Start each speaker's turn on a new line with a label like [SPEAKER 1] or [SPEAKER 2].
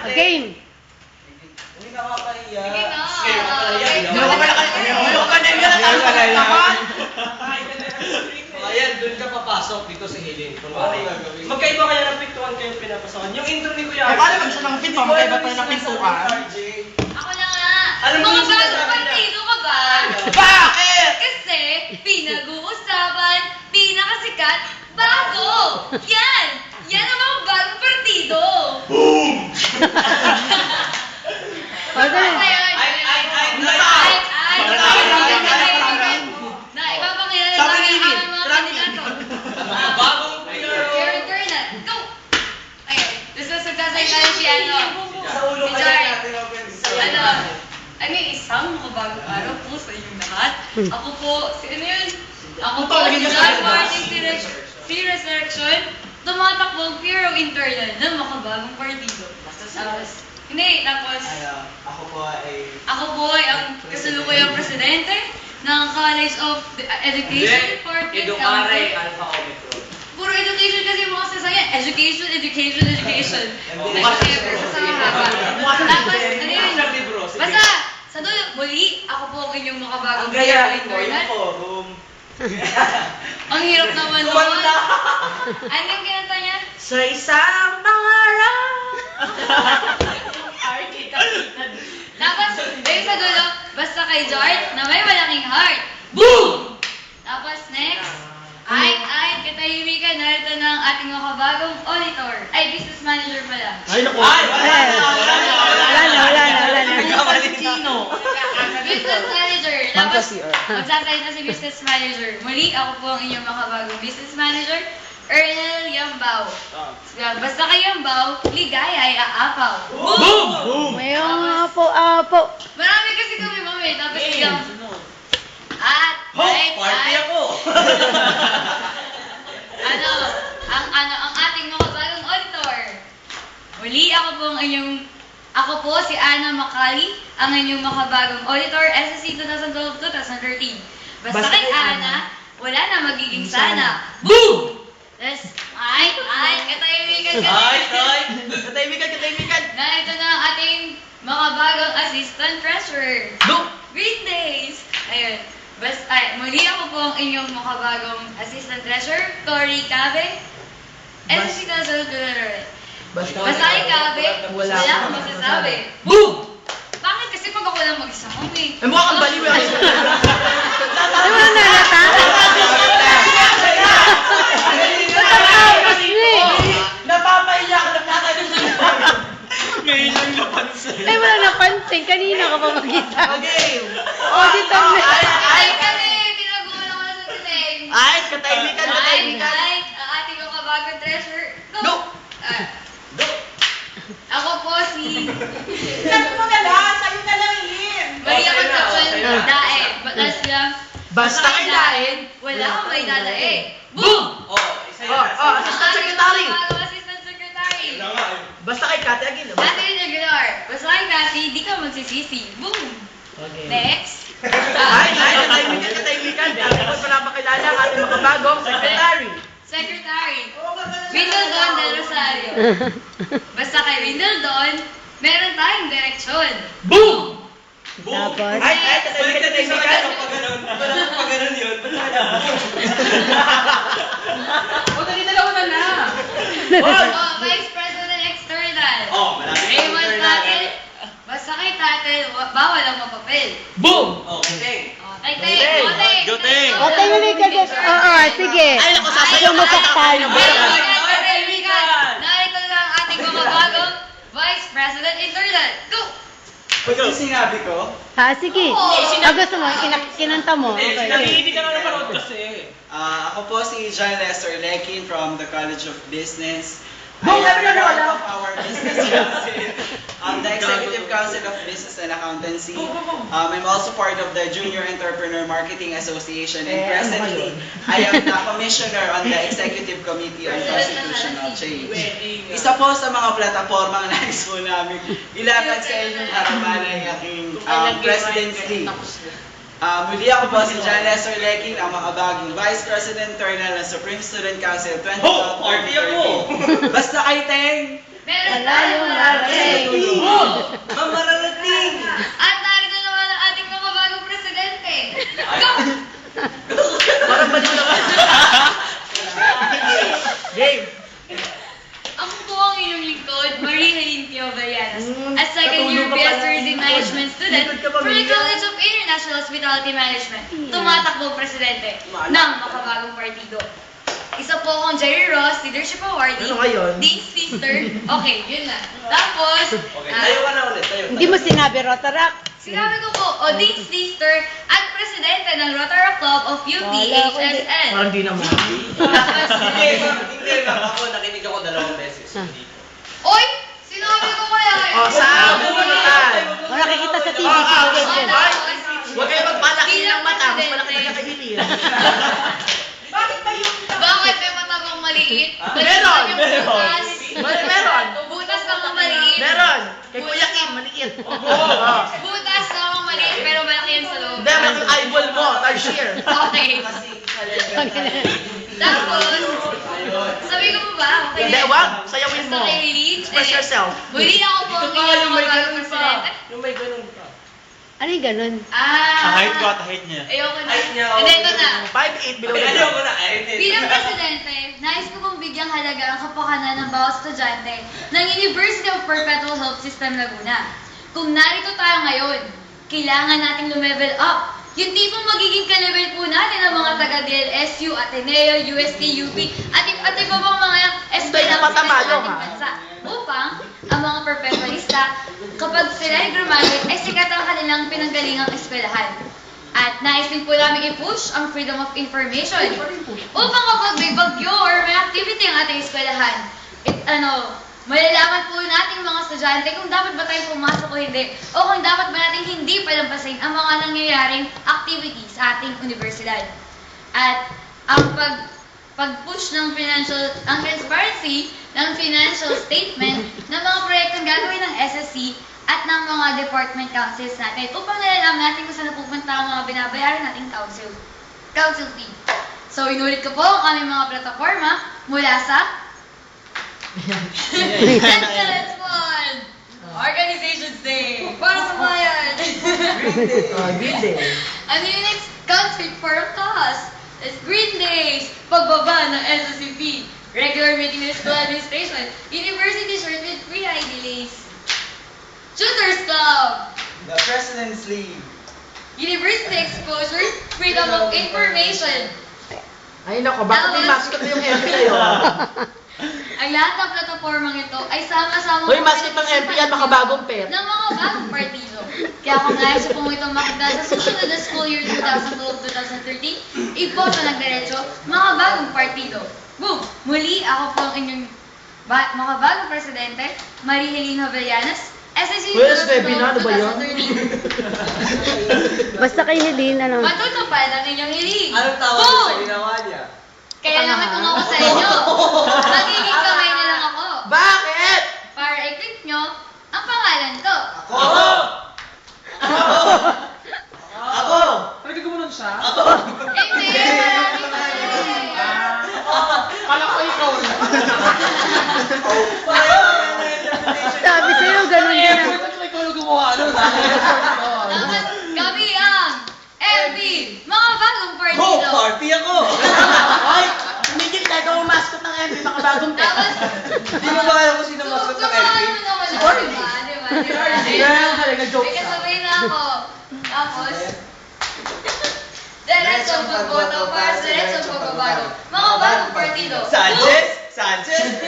[SPEAKER 1] Game.
[SPEAKER 2] Hindi nakakahiya.
[SPEAKER 3] Sige na.
[SPEAKER 2] Ayan, doon ka papasok dito sa hiling. Kung ano yung gagawin.
[SPEAKER 4] Magkaiba kaya ng pintuan kayo pinapasokan. Yung intro ni Kuya
[SPEAKER 5] Eh, paano pag siya ng pinto? Magkaiba tayo ng pintuan.
[SPEAKER 3] Ako na nga.
[SPEAKER 4] Alam mo
[SPEAKER 3] Mga
[SPEAKER 4] yung sinasabi
[SPEAKER 3] bagong
[SPEAKER 4] niya.
[SPEAKER 3] partido ka ba?
[SPEAKER 5] Bakit?
[SPEAKER 3] Kasi pinag-uusapan, pinakasikat, bago. Yan! Yan ang mga bagong partido. Na, ipapakilala
[SPEAKER 5] Sabi
[SPEAKER 3] namin
[SPEAKER 5] ni
[SPEAKER 3] ang
[SPEAKER 5] Lin,
[SPEAKER 3] mga
[SPEAKER 5] Frankie.
[SPEAKER 3] kandidato.
[SPEAKER 2] Bagong
[SPEAKER 3] Your internet. Go! Ayun. Gusto sagsasayta na si ano.
[SPEAKER 2] Sa ulo
[SPEAKER 3] Si
[SPEAKER 2] kaya
[SPEAKER 3] Jai.
[SPEAKER 2] natin open.
[SPEAKER 3] Ano yung isang makabagong araw po sa inyong lahat. Ako po, si ano yun? Ako po,
[SPEAKER 5] Ito,
[SPEAKER 3] si
[SPEAKER 5] naging
[SPEAKER 3] John
[SPEAKER 5] nasa-
[SPEAKER 3] Martin si Resurrection, tumatakbong Hero Internal ng makabagong partido. Tapos, hindi, tapos,
[SPEAKER 2] Ako po ay...
[SPEAKER 3] ako po ay ang kasalukuyang presidente ng College of Education Department
[SPEAKER 4] Edukare,
[SPEAKER 3] Council.
[SPEAKER 4] Alpha Omicron.
[SPEAKER 3] Puro education kasi yung mga sasayan. Education, education, education.
[SPEAKER 2] Hindi.
[SPEAKER 3] Basta mahaba. Tapos, ano yun?
[SPEAKER 4] Sa libro, sige.
[SPEAKER 3] Basta, sa dulo, muli, ako po ang inyong makabagong
[SPEAKER 2] Ang gayahin
[SPEAKER 3] Hero
[SPEAKER 2] mo, yung
[SPEAKER 3] Internal.
[SPEAKER 2] forum.
[SPEAKER 3] Ang hirap naman nun.
[SPEAKER 2] Kumanta.
[SPEAKER 3] Ano yung kinanta niya?
[SPEAKER 5] Sa isang pangarap.
[SPEAKER 3] Tapos, yung sa dulo, basta kay Jart na may malaking heart. Boom! Tapos next, ay, katahimikan, narito ng ating makabagong auditor. Ay, business manager pala.
[SPEAKER 5] Ay, naku.
[SPEAKER 1] Wala na.
[SPEAKER 5] Sino?
[SPEAKER 3] Business manager.
[SPEAKER 1] Ma'am
[SPEAKER 3] Tapos,
[SPEAKER 1] kasi,
[SPEAKER 3] magsasalita si business manager. Muli, ako po ang inyong makabagong business manager, Ernel Yambao. Basta kay Yambao, ligaya ay aapaw. Boom!
[SPEAKER 5] Boom!
[SPEAKER 1] Mayroong apo.
[SPEAKER 3] Marami kasi kami, mami. Tapos biglang, at,
[SPEAKER 2] Party ako!
[SPEAKER 3] ang ating mga bagong auditor. Muli, ako po si Ana Macali, ang inyong makabagong auditor, SSC 2012-2013. Basta kay Ana, wala na magiging sana. Boom! Yes. Katahimikan.
[SPEAKER 5] Katahimikan.
[SPEAKER 3] Na ito na ang ating makabagong assistant treasurer.
[SPEAKER 5] Boom!
[SPEAKER 3] Green Days! Ayun. Muli ako po ang inyong makabagong assistant treasurer, Tori Cabe. SSC 2012. Basta kay Cabe, wala akong masasabi. Boom! Bakit kasi pag ako lang mag-isa kami?
[SPEAKER 5] Eh, mukha kang baliw yan.
[SPEAKER 1] Ay, wala na nata. Tapos na eh.
[SPEAKER 5] Napapahiya ka ng Ngayon lang napansin.
[SPEAKER 1] Ay, wala napansin. Kanina ka pa magkita.
[SPEAKER 5] Okay.
[SPEAKER 1] Auditor na.
[SPEAKER 3] Ay, kasi tinagulan ko na sa tinig.
[SPEAKER 5] Ay, katahimikan.
[SPEAKER 3] Ay, ang ating makabagong treasurer.
[SPEAKER 5] Go!
[SPEAKER 3] Ako po si
[SPEAKER 5] Sabi mo na lang, sa'yo na lang yun.
[SPEAKER 3] Maria
[SPEAKER 4] Sa'yo na,
[SPEAKER 3] Concepcion
[SPEAKER 4] sa'yo na.
[SPEAKER 3] Dae. Batas lang.
[SPEAKER 5] Basta kay Dae,
[SPEAKER 3] wala akong may dadae. Boom!
[SPEAKER 4] Isa
[SPEAKER 5] Assistant Secretary.
[SPEAKER 3] Ang assistant secretary.
[SPEAKER 5] Basta kay Kate Aguila.
[SPEAKER 3] Ate Regular. Basta kay Cathy, di ka magsisisi. Boom!
[SPEAKER 5] Okay.
[SPEAKER 3] Next.
[SPEAKER 5] Ay, katahimikan. Dati ko pinapakilala ang ating makabagong secretary.
[SPEAKER 3] Secretary. Windledon del Rosario. Basta kay Windledon, meron tayong direksyon.
[SPEAKER 5] Boom!
[SPEAKER 1] Tapos,
[SPEAKER 5] Ay, katahimikan.
[SPEAKER 2] Pag ganun yun,
[SPEAKER 5] Huwag na dalawa na.
[SPEAKER 3] Oh, Vice President External. Raymond Tatel. Basta kay Tatel, bawal ang mapapel.
[SPEAKER 5] Boom!
[SPEAKER 2] Okay.
[SPEAKER 3] Teng.
[SPEAKER 1] Otay mo na ikagat. Oo, sige.
[SPEAKER 5] Ay, naku, sasayaw
[SPEAKER 1] Sumasak tayo.
[SPEAKER 3] Narito lang ang ating mga bagong Vice President Internal. Go!
[SPEAKER 2] Pag sinabi ko,
[SPEAKER 1] Sige. Gusto mo, kinanta mo. Okay.
[SPEAKER 4] Hindi ka na naman kasi.
[SPEAKER 2] ako po si John Lester Lekin from the College of Business.
[SPEAKER 5] Boom!
[SPEAKER 2] I am
[SPEAKER 5] Ano,
[SPEAKER 2] part
[SPEAKER 5] ano?
[SPEAKER 2] of our business council, the Executive Council of Business and Accountancy. I'm also part of the Junior Entrepreneur Marketing Association, and presently, I am the Commissioner on the Executive Committee on Constitutional Change. Isa po sa mga platapormang nais po namin ilatag sa inyong harapan ay aking presidency. Muli ako po si John Lester Lekin, ang makabagong Vice President Internal ng Supreme Student Council 2012.
[SPEAKER 4] Party ako!
[SPEAKER 2] Basta kay Teng!
[SPEAKER 3] Meron tayong largay. code, Marie Helene Pio Villanas. A
[SPEAKER 5] Katulong
[SPEAKER 3] second-year
[SPEAKER 5] ka
[SPEAKER 3] BS
[SPEAKER 5] pala.
[SPEAKER 3] Tourism Management student
[SPEAKER 5] Likod ka ba,
[SPEAKER 3] for the
[SPEAKER 5] Maria?
[SPEAKER 3] College of International Hospitality Management. Tumatakbong presidente ng makabagong partido. Isa po akong Jerry Ross, Leadership Awardee.
[SPEAKER 5] Ano ngayon?
[SPEAKER 3] Dean's Sister. Okay, yun na. Tapos,
[SPEAKER 4] Okay, tayo ka na ulit. Tayo.
[SPEAKER 1] Hindi mo sinabi, Rotaract.
[SPEAKER 3] sinabi ko po, Dean's Sister at presidente ng Rotary Club of UPHSN.
[SPEAKER 5] Parang di naman.
[SPEAKER 3] Tapos,
[SPEAKER 4] Hindi ma'am. Ako, nakinig ako 2 beses. Hindi.
[SPEAKER 3] Oy! Sinabi ko kaya eh.
[SPEAKER 5] O, saan? Pumuntan.
[SPEAKER 1] O nakikita sa TV.
[SPEAKER 5] Huwag kayo magpalaki ng mata. Mas malaki na kay Hilin.
[SPEAKER 3] Bakit may mata bang maliit?
[SPEAKER 5] Meron!
[SPEAKER 3] Meron!
[SPEAKER 5] Meron!
[SPEAKER 3] Butas lang ang maliit.
[SPEAKER 5] Meron. Kay Kuya Kim, maliit.
[SPEAKER 3] Butas lang ang maliit pero malaki yan sa loob.
[SPEAKER 5] Hindi, malaki yung eyeball mo. Tarsier.
[SPEAKER 3] Okay.
[SPEAKER 2] Kasi
[SPEAKER 3] Tapos, sabi ko ba? Okay
[SPEAKER 5] Hindi,
[SPEAKER 3] na.
[SPEAKER 5] wag. Sayawin mo.
[SPEAKER 3] Basta kay Lynn.
[SPEAKER 5] Express yourself.
[SPEAKER 3] Muli ako po ang inyong magagawang presidente.
[SPEAKER 4] Yung may ganun pa.
[SPEAKER 1] Ano yung ganun?
[SPEAKER 4] Height ko at height niya.
[SPEAKER 3] Ayoko na.
[SPEAKER 4] Height niya.
[SPEAKER 3] Hindi, ito na.
[SPEAKER 5] 5'8" below the
[SPEAKER 4] Ayaw ko
[SPEAKER 5] ground.
[SPEAKER 4] na. Ay, hindi.
[SPEAKER 3] Bilang presidente, nais ko pong bigyang halaga ang kapakanan ng bawat estudyante ng University of Perpetual Health System Laguna. Kung narito tayo ngayon, kailangan nating lumevel up. Yung tipong magiging ka-level po natin ng mga taga-DLSU, Ateneo, UST, UP, at iba pang mga eskwela sa
[SPEAKER 5] Patamalo,
[SPEAKER 3] ating
[SPEAKER 5] ha?
[SPEAKER 3] bansa. Upang ang mga perpetualista, kapag sila ay graduate, ay sikat ang kanilang pinanggalingang eskwelahan. At nais din po namin i-push ang freedom of information. Upang kapag may bagyo or may activity ang ating eskwelahan, malalaman po natin mga estudyante kung dapat ba tayong pumasok o hindi, o kung dapat ba natin hindi palampasin ang mga nangyayaring activities sa ating universidad. At ang pag-push ng ang transparency ng financial statement ng mga proyektong gagawin ng SSC at ng mga department councils natin upang nalalaman natin kung saan napupunta ang mga binabayaran nating council fee. So, inulit ko po ang aming mga plataforma mula sa Excellence Fund! Organizations Day! Para sa bayan!
[SPEAKER 5] Green Day.
[SPEAKER 3] Ano yung next concert for a cause? It's Green Days! Pagbaba ng SSCP! Regular meeting with school administration! University shirt with free ID lace! Tutors Club!
[SPEAKER 2] the President's League.
[SPEAKER 3] University exposure! Freedom of information!
[SPEAKER 5] Ay, nako. Bakit may mascot na yung MP kayo?
[SPEAKER 3] Ang lahat ng platapormang ito ay sama-sama
[SPEAKER 5] Hoy, mascot ng MP yan, makabagong pet.
[SPEAKER 3] ng mga bagong partido. Kaya kung nais sa pong itong makita sa susunod na school year 2012-2013, iboto ng diretso mga bagong partido. Boom! Muli, ako po ang inyong mga bagong presidente, Marie Helene Villanas, SSC
[SPEAKER 5] Well, baby, ano ba yun?
[SPEAKER 3] 2013.
[SPEAKER 1] Basta kay Helene, ano?
[SPEAKER 3] Matutupad ang inyong hiling.
[SPEAKER 4] Anong tawag
[SPEAKER 3] Boom!
[SPEAKER 4] sa ginawa niya?
[SPEAKER 3] Kaya naman kung ako sa inyo, magiging kamay na lang ako.
[SPEAKER 5] Bakit?
[SPEAKER 3] Para i-click nyo ang pangalan ko.
[SPEAKER 4] Ako!
[SPEAKER 5] Ako!
[SPEAKER 4] Pwede ko mo nun siya?
[SPEAKER 3] Hindi, marami pa.
[SPEAKER 4] Kala ko ikaw na.
[SPEAKER 1] Sabi sa'yo, ganun din.
[SPEAKER 4] Pwede ko ikaw na gumawa nun.
[SPEAKER 3] Dapat kami ang MB, mga bagong partido.
[SPEAKER 4] Party ako!
[SPEAKER 5] Ay! Tumigil ka, ikaw ang mascot ng MP, makabagong pet.
[SPEAKER 3] Tapos,
[SPEAKER 4] Hindi mo ba alam kung sino mascot ng
[SPEAKER 3] gumawa
[SPEAKER 4] LP?
[SPEAKER 3] mo naman
[SPEAKER 5] Si
[SPEAKER 3] ako,
[SPEAKER 5] Cory.
[SPEAKER 3] diba?
[SPEAKER 5] Girl, talaga joke
[SPEAKER 3] May
[SPEAKER 5] siya.
[SPEAKER 3] kasabay na ako. Tapos, diretsong pagboto para sa diretsong pagbabago. Mga bagong partido.
[SPEAKER 4] Sanchez? Sanchez?